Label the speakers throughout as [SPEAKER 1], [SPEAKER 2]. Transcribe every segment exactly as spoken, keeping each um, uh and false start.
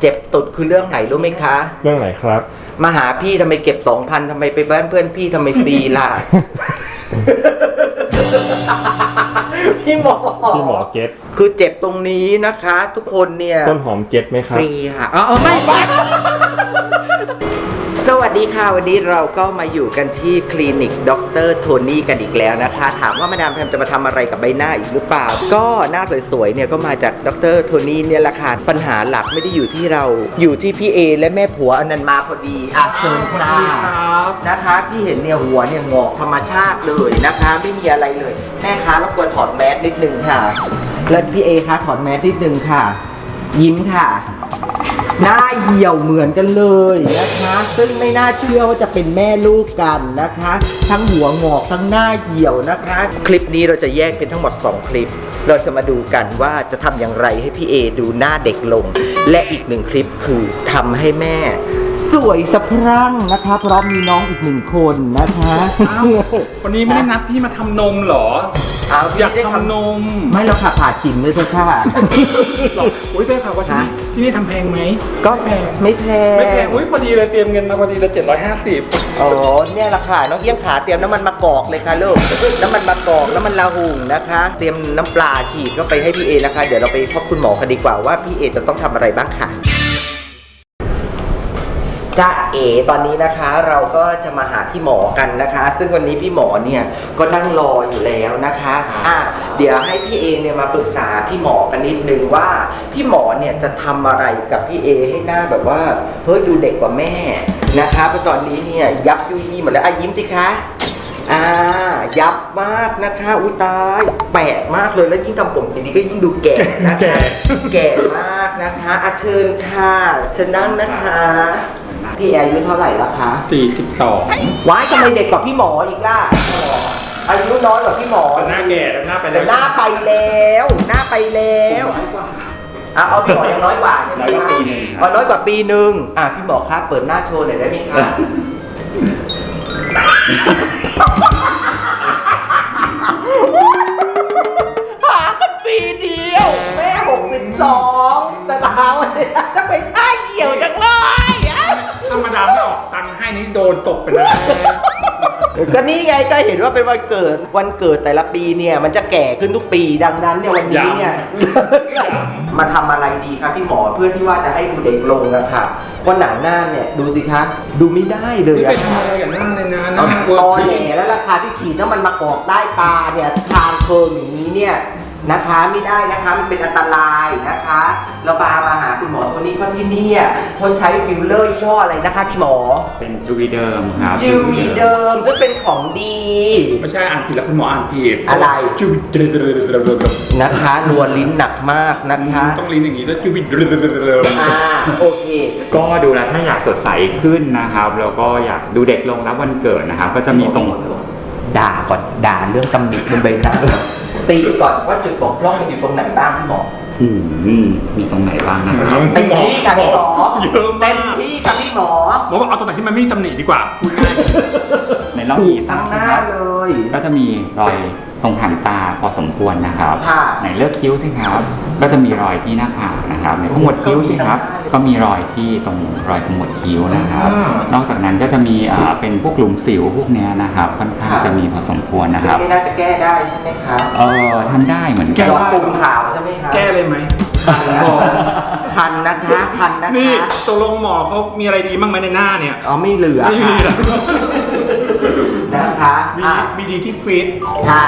[SPEAKER 1] จ็บสุดคือเรื่องไหนรู้ไหมคะ
[SPEAKER 2] เรื่องไหนครับ
[SPEAKER 1] มาหาพี่ทำไมเก็บสองพันทำไมไปบ้านเพื่อนพี่ทำไมฟรีล่ะ พี่หมอ
[SPEAKER 2] พี่หมอเก็ต
[SPEAKER 1] คือเจ็บตรงนี้นะคะ ทุกคนเนี่ย
[SPEAKER 2] ต้นหอมเก็ตไหมครับ
[SPEAKER 1] ฟรีค่ะอ๋อไม่ใช่สวัสดีค่ะวันนี้เราก็มาอยู่กันที่คลินิกดร.โทนี่กันอีกแล้วนะคะถามว่ามาดามแพมจะมาทำอะไรกับใบหน้าอีกหรือเปล่าก็หน้าสวยๆเนี่ยก็มาจากดร.โทนี่เนี่ยแหละค่ะปัญหาหลักไม่ได้อยู่ที่เราอยู่ที่พี่เอและแม่ผัวอนันต์มาพอดีอ่ะเชิญค่ะนะคะที่เห็นเนี่ยหัวเนี่ยงอกธรรมชาติเลยนะคะไม่มีอะไรเลยแม่คะรบกวนถอดแมสนิดนึงค่ะแล้วพี่เอคะถอดแมสนิดนึงค่ะยิ้มค่ะหน้าเหี่ยวเหมือนกันเลยนะคะซึ่งไม่น่าเชื่อว่าจะเป็นแม่ลูกกันนะคะทั้งหัวงอกทั้งหน้าเหี่ยวนะคะคลิปนี้เราจะแยกเป็นทั้งหมดสองคลิปเราจะมาดูกันว่าจะทำอย่างไรให้พี่เอดูหน้าเด็กลงและอีกหนึ่งคลิปคือทำให้แม่สวยสะพรั่งนะคะเพราะมีน้องอีกหนึ่งคนนะคะ
[SPEAKER 3] วันนี้ไม่ได้นัดพี่มาทำนมเหรอ
[SPEAKER 1] เอา
[SPEAKER 3] อยากทำนม
[SPEAKER 1] ไม่เราค่ะผ่าจิ๋มเลยเถอะค่ะ
[SPEAKER 3] อุ้ยได้ข่าวว่าที่นี่ที่นี่ทำแพงไหม
[SPEAKER 1] ก็แพงไม่แพง
[SPEAKER 3] ไม่แพงอุ้ยพอดีเลยเตรียมเงินมาพอดีเลยเจ็ดร้อยห้าสิบ
[SPEAKER 1] อ๋อเนี่ยราคาน้องเอี้ยงขาเตรียมน้ำมันมะกอกเลยค่ะลูกน้ำมันมะกอกน้ำมันลาหุ่งนะคะเตรียมน้ำปลาฉีดก็ไปให้พี่เอนะคะเดี๋ยวเราไปพบคุณหมอกันดีกว่าว่าพี่เอจะต้องทำอะไรบ้างค่ะจ้าเอ๋ตอนนี้นะคะเราก็จะมาหาพี่หมอกันนะคะซึ่งวันนี้พี่หมอเนี่ยก็นั่งรออยู่แล้วนะคะอ่ะเดี๋ยวให้พี่เอเนี่ยมาปรึกษาพี่หมอกันนิดนึงว่าพี่หมอเนี่ยจะทำอะไรกับพี่เอให้หน้าแบบว่าเฮ้ยดูเด็กกว่าแม่นะคะเพราะตอนนี้เนี่ยยับยุยหมดแล้วอ่ะยิ้มสิคะอ่ายับมากนะคะอุ้ยตายแปลกมากเลยแล้วยิ่งทำผมสีนี้ก็ยิ่งดูแก่นะคะแก่มากนะคะอ่ะเชิญค่ะเชิญนั่งนะคะพี่อายุเท่าไหร่แล้วคะ
[SPEAKER 3] สี่สิบสอง
[SPEAKER 1] ว้ายทำไมเด็กกว่าพี่หมออีกล่ะอายุน้อยกว่าพี่หมอ
[SPEAKER 3] หน้าแก่แล้วหน้าไปแล้ว
[SPEAKER 1] หน้าไปแล้วหน้าไปแล้วอ่ะเอาพี่หมอยังน้อยกว่าใช่ไหมคะอ๋อน้อยกว่าปีหนึ่งอ่ะพี่หมอครับเปิดหน้าโชว์หน่อยได้ไหมคะหากันปีเดียวแม่หกสิบสองแต่เท้าเนี่ยจะไปท่าเหี่ยวจังเลย
[SPEAKER 3] ธรรมดาไม่ออกตังค์ให้นี่โดนตกไปแล้ว
[SPEAKER 1] ก็นี่ไงก็เห็นว่าเป็นวันเกิดวันเกิดแต่ละปีเนี่ยมันจะแก่ขึ้นทุกปีดังนั้นเนี่ยวันนี้เนี่ยมาทำอะไรดีครับพี่หมอเพื่อที่ว่าจะให้ดูเด็กลงอะค่ะเพราะหนังหน้าเนี่ยดูสิคะดูไม่ได้เลย
[SPEAKER 3] อะไม่ทำอะไรกับหน้าเลยนะหน้า
[SPEAKER 1] ตอแหลแล้วราคาที่ฉีดน้ำมันมากอกใต้ตาเนี่ยทางเคิร์มอย่างนี้เนี่ยนะคะไม่ได้นะคะมันเป็นอันตรายนะคะเราพามาหาคุณหมอโทนี่เพราะที่นี่คนใช้ฟิลเลอร์ยี่ห้ออะไรนะคะพี่หมอ
[SPEAKER 4] เป็นจูวีเดิมครับ
[SPEAKER 1] จูวีเดิมซึ่งเป็นของดี
[SPEAKER 3] ไม่ใช่อ่านผิดแล้วคุณหมออ่านผิด
[SPEAKER 1] อะไร
[SPEAKER 3] จูวีเดิม
[SPEAKER 1] นะคะรัวลิ้นหนักมากนะคะ
[SPEAKER 3] ต้องลิ้นอย่างนี้แล้วจูวีเดิม
[SPEAKER 1] อ่าโอเค
[SPEAKER 4] ก็ดูแลถ้าอยากสดใสขึ้นนะครับแล้วก็อยากดูเด็กลงรับวันเกิดนะครับก็จะมีตรง
[SPEAKER 1] ด่าก่อนด่าเรื่องตำหนิบนใบหน้าตีก่อนว่าจุดบกพร่องมันอยู่ตรงไหนบ้างพี่หมอ
[SPEAKER 4] อืมมีตรงไหนบ้างนะครับ
[SPEAKER 1] เต็มที่กับพี่หมอ
[SPEAKER 3] เยอะมาก
[SPEAKER 1] เต็มที่กับพี่หมอ
[SPEAKER 3] หมอบอกเอาตรงไหนที่มันไม่มีตำหนิดีกว่าพูดง่าย
[SPEAKER 4] ในรอบนี้
[SPEAKER 1] ทั้งหน้าเลย
[SPEAKER 4] ก็จะมีรอยตรงหางตาพอสมควรนะครับในเลือกคิ้วสิครับก็จะมีรอยที่หน้าผากนะครับในขมวดคิ้วสิครับก็มีรอยที่ตรงรอยขมวดคิ้วนะครับนอกจากนั้นก็จะมีเป็นพวกหลุมสิวพวกนี้นะครับค่อนข้างจะมีพอสมควรนะครับ
[SPEAKER 1] นี่น่าจะแก้ได้ใช่ไหมครับ
[SPEAKER 4] เออทำได้เหมือนกัน
[SPEAKER 1] หลอดปุ่มขาวใช่ไหมครับ
[SPEAKER 3] แก้เลยไหม
[SPEAKER 1] คันนะคะคันนะคะ
[SPEAKER 3] นี่ตกลงหมอเขามีอะไรดีบ้างไหมในหน้าเนี่ย
[SPEAKER 1] อ๋อไม่เหลือ
[SPEAKER 3] ไม่มีแล้ว
[SPEAKER 1] นะคะ
[SPEAKER 3] มีมีดีที่ฟิต
[SPEAKER 1] ค่ะ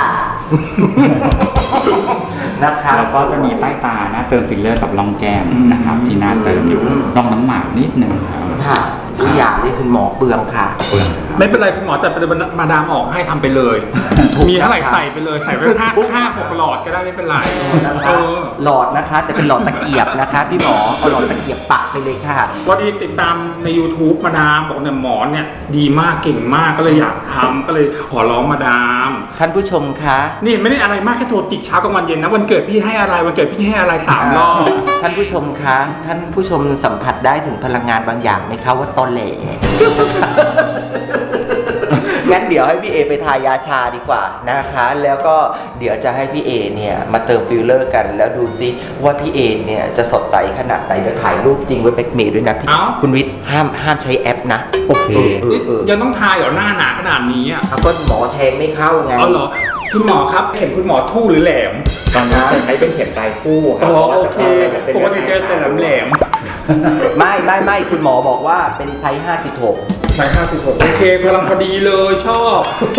[SPEAKER 1] นะคะ
[SPEAKER 4] แล้วก็จะมีใต้ตาหน้าเติมฟิลเลอร์กับร่องแก้มนะครับที่หน้าเติมอยู่ร่องน้ำหมากนิดนึงครับ
[SPEAKER 1] ค่ะทุกอย่างนี่คุณหมอเปลืองค่ะ
[SPEAKER 4] เปลือง
[SPEAKER 3] ไม่เป็นไรคุณหมอจัดมาดามออกให้ทำไปเลยมีเท่าไหร่ใส่ไปเลยใส่ไปห้าห้าหกหลอดก็ได้ไม่เป็นไร
[SPEAKER 1] หลอดนะคะแต่เป็นหลอดตะเกียบนะคะพี่หมอเอาหลอดตะเกียบปักไปเลยค่ะ
[SPEAKER 3] วันนี้ติดตามใน ยูทูบ มาดามบอกเนี่ยหมอเนี่ยดีมากเก่งมากก็เลยอยากทำก็เลยขอร้องมาดาม
[SPEAKER 1] ท่านผู้ชมคะ
[SPEAKER 3] นี่ไม่ได้อะไรมากแค่โทรจิกเช้ากลางวันเย็นนะวันเกิดพี่ให้อะไรวันเกิดพี่ให้อะไรสามรอบ
[SPEAKER 1] ท่านผู้ชมคะท่านผู้ชมสัมผัสได้ถึงพลังงานบางอย่างไหมคะว่าตอแหลงั้นเดี๋ยวให้พี่เอไปทายาชาดีกว่านะคะ แล้วก็เดี๋ยวจะให้พี่เอเนี่ยมาเติมฟิลเลอร์กันแล้วดูซิว่าพี่เอเนี่ยจะสดใสขนาดไหนเดี๋ยวถ่ายรูปจริงไว้แบ็กเมย์ด้วยนะพี่
[SPEAKER 3] เอ้า
[SPEAKER 1] คุณวิทย์ห้ามห้ามใช้แอปนะ
[SPEAKER 2] โอเค
[SPEAKER 1] เออเออ
[SPEAKER 3] ยังต้องทายเหรอหน้าหนาขนาดนี้อ่ะ
[SPEAKER 1] เอาก็หมอแทงไม่เข้าไง
[SPEAKER 3] เอาเหรอคุณหมอครับเข็มคุณหมอทู่หรือแหลม
[SPEAKER 4] ตอนนี้จะใช้เป็นเข็มปลายคู่ครั
[SPEAKER 3] อ๋อ
[SPEAKER 4] พราะว่า
[SPEAKER 3] โอ
[SPEAKER 4] จะ
[SPEAKER 3] เค
[SPEAKER 4] ป็น
[SPEAKER 3] ปกติเจอแต่แหลมแหลม
[SPEAKER 1] ไม่ไม่ไม่คุณหมอบอกว่าเป็นไซส์ห้าสิบหก
[SPEAKER 3] ใช่ห้าสิบหกโอเคพลังพอดีเลยชอบ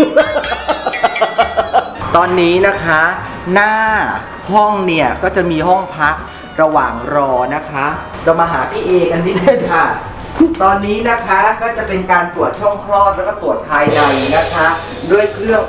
[SPEAKER 1] ตอนนี้นะคะ หน้าห้องเนี่ยก็จะมีห้องพักระหว่างรอนะคะเรามาหาพี่เอกันนิดนึงค่ะ ตอนนี้นะคะก็จะเป็นการตรวจช่องคลอดแล้วก็ตรวจภายในนะคะ ด้วยเครื่อง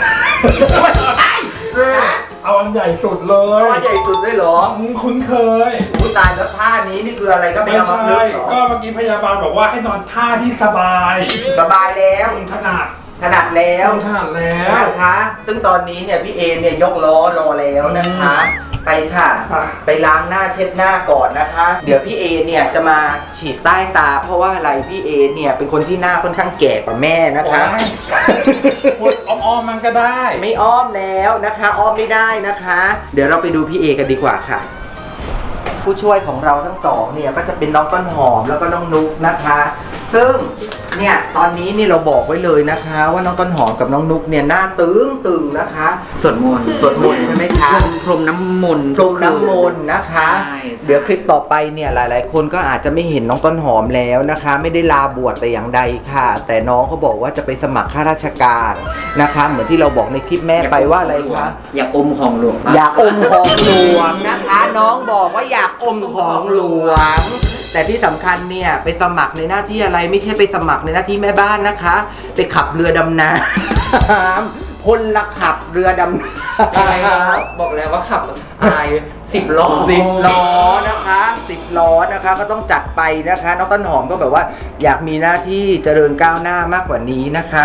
[SPEAKER 3] เอาอันใหญ่สุดเล
[SPEAKER 1] เพราะว่าใหญ่สุดด้วยเหรอ
[SPEAKER 3] อืมคุ้นเคย
[SPEAKER 1] ผู้ตายแล้วท่านี้นี่คืออะไรก็ไม่
[SPEAKER 3] ไม่
[SPEAKER 1] เอามา
[SPEAKER 3] ใช่
[SPEAKER 1] เลือกหรอ
[SPEAKER 3] ก็เมื่อกี้พยาบาลบอกว่าให้นอนท่าที่สบาย
[SPEAKER 1] สบายแล้ว
[SPEAKER 3] ตรงถนัด
[SPEAKER 1] ถนัดแล้ว
[SPEAKER 3] ตรงถนัดแล้ว
[SPEAKER 1] นะคะ ซึ่งตอนนี้เนี่ยพี่เอเนี่ยยกล้อรอแล้วนะคะ ไปค่ะ
[SPEAKER 3] ไป
[SPEAKER 1] ไปล้างหน้าเช็ดหน้าก่อนนะคะ เดี๋ยวพี่เอเนี่ยจะมาฉีดใต้ตา เพราะว่าอะไรพี่เอเนี่ยเป็นคนที่หน้าค่อนข้างแก่กว่าแม่นะคะ
[SPEAKER 3] พูดอ้อมๆมันก็ได้
[SPEAKER 1] ไม่อ้อมแล้วนะคะ อ้อมไม่ได้นะคะ เดี๋ยวเราไปดูพี่เอกันดีกว่าค่ะ ผู้ช่วยของเราทั้งสองเนี่ยก็จะเป็นน้องต้นหอมแล้วก็น้องนุ๊กนะคะ ซึ่งเนี่ยตอนนี้นี่เราบอกไว้เลยนะคะ ว่าน้องต้นหอมกับน้องนุ๊กเนี่ยหน้าตึงตึงนะคะ
[SPEAKER 4] สวดมนต์
[SPEAKER 1] สวดมนต์ใช่ไหมคะ
[SPEAKER 4] พรมน้ำมนต์
[SPEAKER 1] พรมน้ำมนต์นะคะ
[SPEAKER 4] ใช่
[SPEAKER 1] เดี๋ยวคลิปต่อไปเนี่ยหลาย ๆ คนก็อาจจะไม่เห็นน้องต้นหอมแล้วนะคะ ไม่ได้ลาบวชแต่อย่างใดค่ะ แต่น้องเขาบอกว่าจะไปสมัครข้าราชการนะคะ เหมือนที่เราบอกในคลิปแม่ไปว่าอะไรคะ
[SPEAKER 4] อยากอมของหลวง
[SPEAKER 1] อยากอมของหลวงนะคะ น้องบอกว่าอยากอมของหลวง แต่ที่สำคัญเนี่ยไปสมัครในหน้าที่อะไรไม่ใช่ไปสมัครในหน้าที่แม่บ้านนะคะ ไปขับเรือดำน้ำพลละขับเรือดำน้ำ
[SPEAKER 4] บอกแล้วว่าขับอะไรสิบล้อ
[SPEAKER 1] สิบล้อนะคะสิบล้อนะคะก็ต้องจัดไปนะคะน้องต้นหอมก็แบบว่าอยากมีหน้าที่เจริญก้าวหน้ามากกว่านี้นะคะ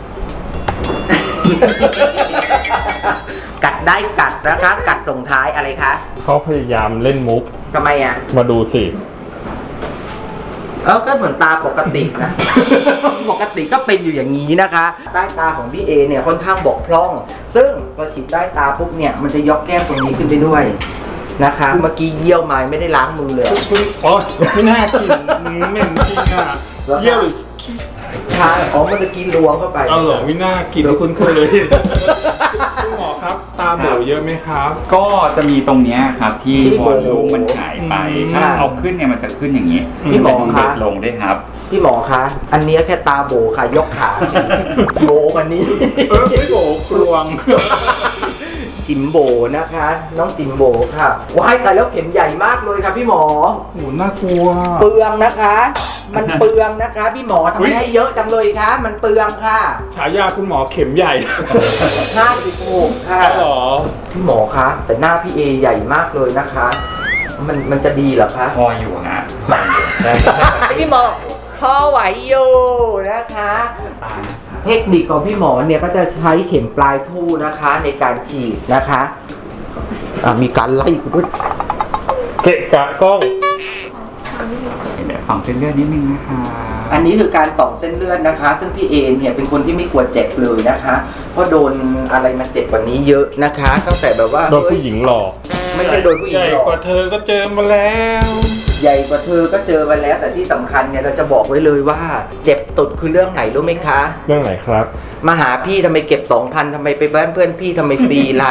[SPEAKER 1] กัดได้กัดนะคะ กัดส่งท้ายอะไรคะ
[SPEAKER 2] เขาพยายามเล่นมุก
[SPEAKER 1] ทำไมอ่ะ
[SPEAKER 2] มาดูสิ
[SPEAKER 1] เออก็เหมือนตาปกตินะ ปกติก็เป็นอยู่อย่างนี้นะคะใต้ตาของพี่เอเนี่ยค่อนข้างบกพร่อง ซึ่งพอฉีดใต้ตาปุ๊บเนี่ยมันจะยกแก้มตรงนี้ขึ้นไปด้วยนะคะ เมื่อกี้เยี่ยวมาไม่ได้ล้างมือเลย
[SPEAKER 3] คุณอ๋อไม่น่ากินอืมเหม็นจริงอ่ะเยี่ยวหรือขี้
[SPEAKER 1] ทานอ๋อเมื่อกี้ล้วงเข้าไป
[SPEAKER 3] เอาเหรอไม่น่ากินแล้วคุณเคยคุณหมอครับ ตาโบเยอะไหมครับ
[SPEAKER 4] ก็จะมีตรงเนี้ยครับที่วอลลุ่มมันหายไป
[SPEAKER 3] อืม
[SPEAKER 4] ถ้าเอาขึ้นเนี่ยมันจะขึ้นอย่างนี้
[SPEAKER 1] พี่หมอ
[SPEAKER 4] จะ
[SPEAKER 1] คะ
[SPEAKER 4] เด็ดลงด้วยครับ
[SPEAKER 1] พี่หมอคะ อันเนี้ยแค่ตาโบค่ะ ยกขา โบกว่านี้
[SPEAKER 3] เออไม่โบกลวง
[SPEAKER 1] จิมโบนะคะ น้องจิมโบค่ะว้ายแต่แล้วเข็มใหญ่มากเลยค่ะพี่หมอ
[SPEAKER 3] โหน่ากลัว
[SPEAKER 1] เปลืองนะคะ มันเปลืองนะคะ พี่หมอทำ
[SPEAKER 3] อุ๊
[SPEAKER 1] ไม
[SPEAKER 3] ย
[SPEAKER 1] ให้เยอะจังเลยคะมันเปลืองค่ะ
[SPEAKER 3] ฉายาคุณหมอเข็มใหญ่
[SPEAKER 1] ห้าสิบหกค่ะ
[SPEAKER 3] เหรอ
[SPEAKER 1] พี่หมอคะแต่หน้าพี่เอใหญ่มากเลยนะคะ มันมันจะดีเหรอคะ
[SPEAKER 4] พออยู่ฮะ
[SPEAKER 1] พี่หมอพอไหวอยู่นะคะ เทคนิคของพี่หมอเนี่ยก็จะใช้เข็มปลายทู่นะคะในการฉีดนะคะอ่ะมีการไล่คุณด้วย
[SPEAKER 2] เกะกะกล้อง
[SPEAKER 4] เดี๋ยวฟังเส้นเลือดนิดนึงนะคะ
[SPEAKER 1] อันนี้คือการส่องเส้นเลือดนะคะ ซึ่งพี่เอเนี่ยเป็นคนที่ไม่กลัวเจ็บเลยนะคะ เพราะโดนอะไรมาเจ็บกว่านี้เยอะนะคะตั้งแต่แบบว่า
[SPEAKER 2] โดนผู้หญิงหลอก
[SPEAKER 1] ไม่ใช่โดนผู้หญิ
[SPEAKER 3] ให
[SPEAKER 1] ง
[SPEAKER 3] ญ่
[SPEAKER 1] หรอก
[SPEAKER 3] กว่าเธอก็เจอมาแล้ว
[SPEAKER 1] ใหญ่กว่าเธอก็เจอมาแล้ว แต่ที่สำคัญเนี่ยเราจะบอกไว้เลยว่า เจ็บตุดคือเรื่องไหนรู้ไหมคะ
[SPEAKER 2] เรื่องไหนครับ
[SPEAKER 1] มาหาพี่ทำไมเก็บสองพันทำไมไปบ้านเพื่อนพี่ทำไมฟรีล่ะ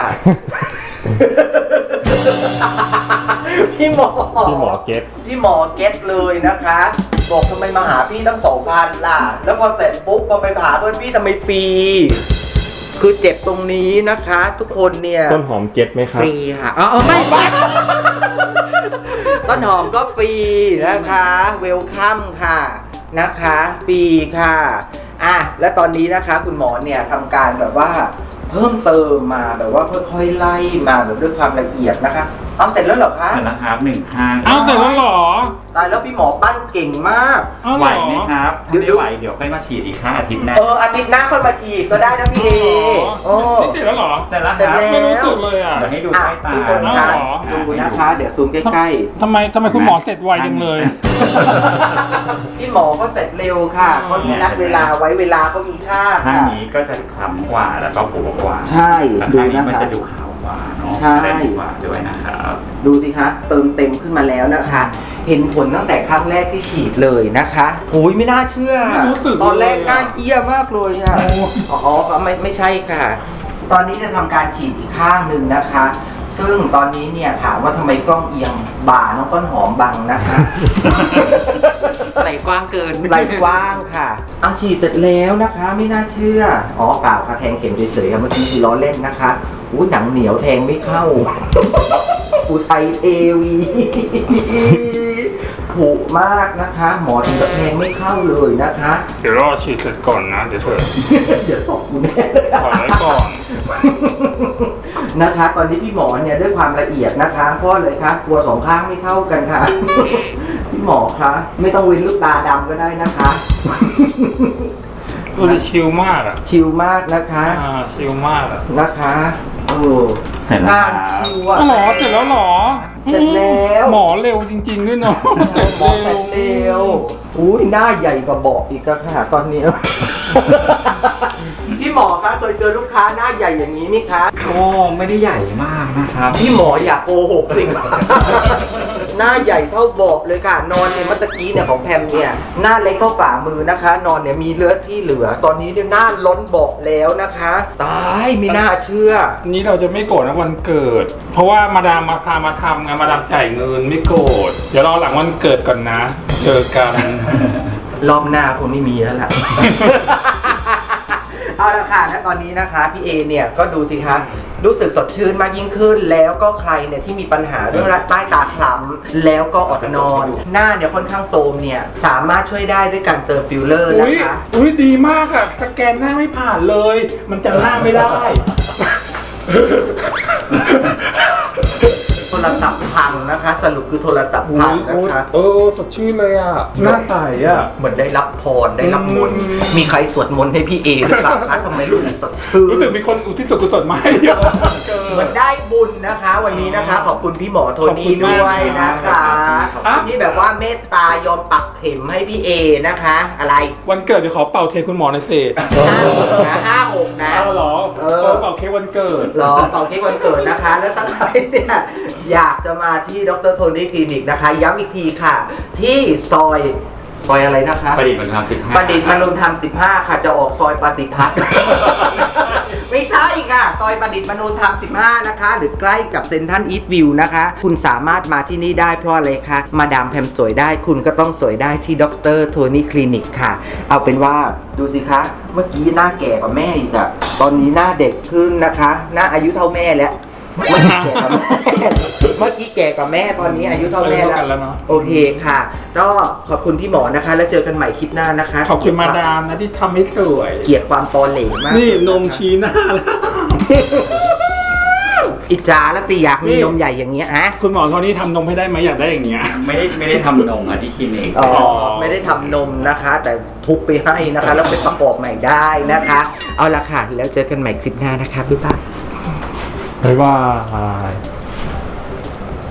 [SPEAKER 1] พี่หมอ
[SPEAKER 2] พี่หมอเก็ต
[SPEAKER 1] พี่หมอเก็ตเลยนะคะ บอกทำไมมาหาพี่ตั้งสองพันล่ะ แล้วพอเสร็จปุ๊บพอไปหาเพื่อนพี่ทำไมฟรี คือเจ็บตรงนี้นะคะ ทุกคนเนี่ย
[SPEAKER 2] ต้นหอมเก็ตไหมครั
[SPEAKER 4] ฟ
[SPEAKER 2] บ
[SPEAKER 4] รีค่ะอ๋อไม่
[SPEAKER 1] ต้นหอมก็ฟรีนะคะเวลคัมค่ะนะคะฟรีค่ะอ่ะและตอนนี้นะคะคุณหมอเนี่ยทำการแบบว่าเพิ่มเติมมาแบบว่าค่อยๆไล่มาแบบด้วยความละเอียดนะคะเอาเสร็จแล้วเหรอคะ
[SPEAKER 4] เสร็จแล้วครับหนึ่งข้าง
[SPEAKER 3] เอาเสร็จแล้วเหรอ
[SPEAKER 1] ตายแล้วพี่หมอปั้นเก่งมาก
[SPEAKER 3] เอา
[SPEAKER 4] ไห
[SPEAKER 3] เห
[SPEAKER 4] ว
[SPEAKER 3] รอ
[SPEAKER 4] ไหมครับ
[SPEAKER 1] เดี๋ยว
[SPEAKER 4] ถ้าไม่ไหวเดี๋ยวค่อยมาฉีดอีกครั้งอาทิตย์หน้า
[SPEAKER 1] เอออาทิตย์หน้าค่อยมาฉีดก็ได้นะพี่เอโอ้
[SPEAKER 3] นี่เสร็จแล้วเหรอ
[SPEAKER 4] เสร็จแล้ว
[SPEAKER 1] เสร็
[SPEAKER 4] ค
[SPEAKER 1] จ
[SPEAKER 4] รับ
[SPEAKER 1] แล้ว
[SPEAKER 3] ไม่รู้สึกเลยอ่ะ
[SPEAKER 4] เดี๋ยวให้ดู
[SPEAKER 1] อ่ะ
[SPEAKER 4] ใต้ตา
[SPEAKER 1] ทุกคน
[SPEAKER 3] เอา
[SPEAKER 1] คะ
[SPEAKER 3] เหรอ
[SPEAKER 1] ดูนะคะ เดี๋ยวซูมใกล้
[SPEAKER 3] ทำไมทำไมคุณหมอเสร็จไวจังเลย
[SPEAKER 1] ๆ พี่หมอก็เสร็จเร็วค่ะเขามีนัดเวลาไว้เวลาเขามีค่า
[SPEAKER 4] ข้าง
[SPEAKER 1] ค่ะ
[SPEAKER 4] นี้ก็จะคล้ำกว่าแล้วก็ปูกว่า
[SPEAKER 1] ใช่
[SPEAKER 4] แต่
[SPEAKER 1] ดู
[SPEAKER 4] ข้างนี้
[SPEAKER 1] นะ
[SPEAKER 4] มัน
[SPEAKER 1] คะ
[SPEAKER 4] จะดูขาวกว่าเนาะ
[SPEAKER 1] ใช่
[SPEAKER 4] ได้ดีกว่าด้วยนะครับ
[SPEAKER 1] ดูสิคะเติมเต็มขึ้นมาแล้วนะคะ เห็นผลตั้งแต่ครั้งแรกที่ฉีดเลยนะคะโอ้ยไม่น่าเชื่อ
[SPEAKER 3] ไม่รู้สึกเลย
[SPEAKER 1] ตอนแรกน่าเอี้ยมากเลยอ่ะอ๋อไม่ไม่ใช่ค่ะ ตอนนี้จะทำการฉีดอีกข้างหนึ่งนะคะ ซึ่งตอนนี้เนี่ยถามว่าทำไมกล้องเอียงบ่าน้องต้นหอมบังนะคะ
[SPEAKER 4] ไหลกว้างเกิน
[SPEAKER 1] ไหลกว้างค่ะเอาฉีดเสร็จแล้วนะคะ ไม่น่าเชื่ออ๋อเปล่าค่ะแทงเข็มเฉยๆค่ะเมื่อกี้คือล้อเล่นนะคะอู้หนังเหนียวแทงไม่เข้า อุทัยเทวีถูกมากนะคะ หมอถึงกับแทงไม่เข้าเลยนะคะ
[SPEAKER 3] เดี๋ยวรอฉีดเสร็จก่อนนะ เดี๋ยวเถอะ
[SPEAKER 1] เดี๋ยวตกกูแน่เลย
[SPEAKER 3] ขอไว้ก่อน
[SPEAKER 1] นะคะ ตอนนี้พี่หมอเนี่ยด้วยความละเอียดนะคะเพราะอะไรคะกลัวสองข้างไม่เท่ากันค่ะ พี่หมอคะไม่ต้องเว้นลูกตาดำก็ได้นะคะ
[SPEAKER 3] ดูดิชิลมากอ่ะ
[SPEAKER 1] ชิลมากนะคะ
[SPEAKER 3] อ่าชิลมากอ่ะ
[SPEAKER 1] นะคะโอ้
[SPEAKER 4] เสร็จแล้ว
[SPEAKER 1] หน้า
[SPEAKER 4] ครับ
[SPEAKER 1] ชิวอะ
[SPEAKER 3] อ๋อเหรอเสร็จแล้วเหรอ
[SPEAKER 1] เสร็จแล้ว
[SPEAKER 3] หมอเร็วจริง ๆ ด้วยเนาะเสร็จ
[SPEAKER 1] หมอ
[SPEAKER 3] เร็
[SPEAKER 1] เสร็
[SPEAKER 3] ว
[SPEAKER 1] จเร็วอุ้ยหน้าใหญ่กว่าเบาะอีกอะค่ะตอนนี้ พี่หมอคะเคยเจอลูกค้าหน้าใหญ่อย่างนี้ไหมคะ
[SPEAKER 4] โอ้ไม่ได้ใหญ่มากนะครับ
[SPEAKER 1] พี่หมออย่าโกหกสิ หน้าใหญ่เท่าเบาะเลยค่ะ นอนเนี่ยเมื่อตะกี้เนี่ยของแพมเนี่ยหน้าเล็กเท่าฝ่ามือนะคะ นอนเนี่ยมีเลือดที่เหลือ ตอนนี้เนี่ยหน้าล้นเบาะแล้วนะคะ ตายไม่น่าเชื่อ
[SPEAKER 3] อันนี้เราจะไม่โกรธนะวันเกิด เพราะว่ามาดามมาพามาทำไงมาดามจ่ายเงินไม่โกรธเดี๋ยวรอหลังวันเกิดก่อนนะ เจอกัน
[SPEAKER 1] รอบหน้าคงไม่มีแล้วล่ะ เอาละค่ะณตอนนี้นะคะพี่เอเนี่ยก็ดูสิคะรู้สึกสดชื่นมากยิ่งขึ้น แล้วก็ใครเนี่ยที่มีปัญหาเรื่องใต้ตาคล้ำแล้วก็อดนอน หน้าเนี่ยค่อนข้างโทรมเนี่ยสามารถช่วยได้ด้วยการเติมฟิลเลอร์นะ
[SPEAKER 3] อุ้ย
[SPEAKER 1] คะ
[SPEAKER 3] อุ้ยดีมากอะสแกนหน้าไม่ผ่านเลย มันจำหน้าไม่ได้
[SPEAKER 1] โทรศัพท์พังนะคะ สรุปคือโทรศัพท์พังนะคะ
[SPEAKER 3] เออสดชื่นเลยอ่ะหน้าใสอ่ะ
[SPEAKER 1] เหมือนได้รับพรได้รับมนต์
[SPEAKER 3] อืม
[SPEAKER 1] มีใครสวดมนต์ให้พี่เอหรือเปล่าคะทำไมรู้สึกสดชื่น
[SPEAKER 3] รู้สึกมีคนอุทิศส่วนกุศลมาให้เยอะเกิ
[SPEAKER 1] เหมือน นได้บุญนะคะ วันนี้นะคะ ขอบคุณพี่หมอโทนี่
[SPEAKER 3] ขอบคุณมาก
[SPEAKER 1] ด้วยนะคะ
[SPEAKER 3] ขอบคุณ
[SPEAKER 1] ขอบคุณที่แบบว่าเมตตายอมปักเข็มให้พี่เอนะคะ อะไร
[SPEAKER 3] วันเกิดเดี๋ยวขอเป่าเทคุณหมอในอยเศษ
[SPEAKER 1] ห้าหกนะห้าหกนะ
[SPEAKER 3] เอาเหรอ
[SPEAKER 1] เออ
[SPEAKER 3] เป่าเค้กวันเกิด
[SPEAKER 1] รอเป่าเค้กวันเกิดนะคะ แล้วตั้งใจเนี่ยอยากจะมาที่ดรโทนี่คลินิกนะคะ ย้ำอีกทีค่ะ ที่ซอยซอยอะไรนะคะ
[SPEAKER 4] ประดิษฐ์มันทำสิบห้า
[SPEAKER 1] ประดิษฐ์มนุนธรรมสิบห้าค่ะจะออกซอยปฏิพัฒน์ ไม่ใช่ค่ะ ซอยประดิษฐ์มนุนธรรมสิบห้านะคะ หรือใกล้กับเซ็นทรัลอีสต์วิวนะคะ คุณสามารถมาที่นี่ได้เพราะอะไรคะมาดามแพมสวยได้คุณก็ต้องสวยได้ที่ดรโทนี่คลินิกค่ะ เอาเป็นว่าดูสิคะ เมื่อกี้หน้าแก่กว่าแม่อีกอะตอนนี้หน้าเด็กขึ้นนะคะ หน้าอายุเท่าแม่แล้ว เมื่อกี้แก่กว่าแม่ เมื่อกี้แก่กว่าแม่ตอนนี้อายุเท่าแม่
[SPEAKER 3] เท่ากันแล้วเนอะ
[SPEAKER 1] โอเคค่ะ ก็ขอบคุณพี่หมอนะคะ แล้วเจอกันใหม่คลิปหน้านะคะ
[SPEAKER 3] ขอบคุณมาดามนะที่ทำให้สวย
[SPEAKER 1] เกลียดความตอเหลมาก
[SPEAKER 3] นี่นมชี้หน้าแล้ว
[SPEAKER 1] อิจฉาแล้วสิอยากมี
[SPEAKER 3] นี่
[SPEAKER 1] นมใหญ่อย่างเงี้ยฮะ
[SPEAKER 3] คุณหมอโทนี่ทำนมให้ได้ไหมอยากได้อย่างเงี้ย
[SPEAKER 4] ไม่ได้ไม่ได้ทำนมอะที่คลินิก
[SPEAKER 1] อ๋อไม่ได้ทำนมนะคะ แต่ทุบไปให้นะคะ แล้วไปประกอบใหม่ได้นะคะ เอาละค่ะ แล้วเจอกันใหม่คลิปหน้านะคะบ๊ายบาย
[SPEAKER 3] บ๊ายบาย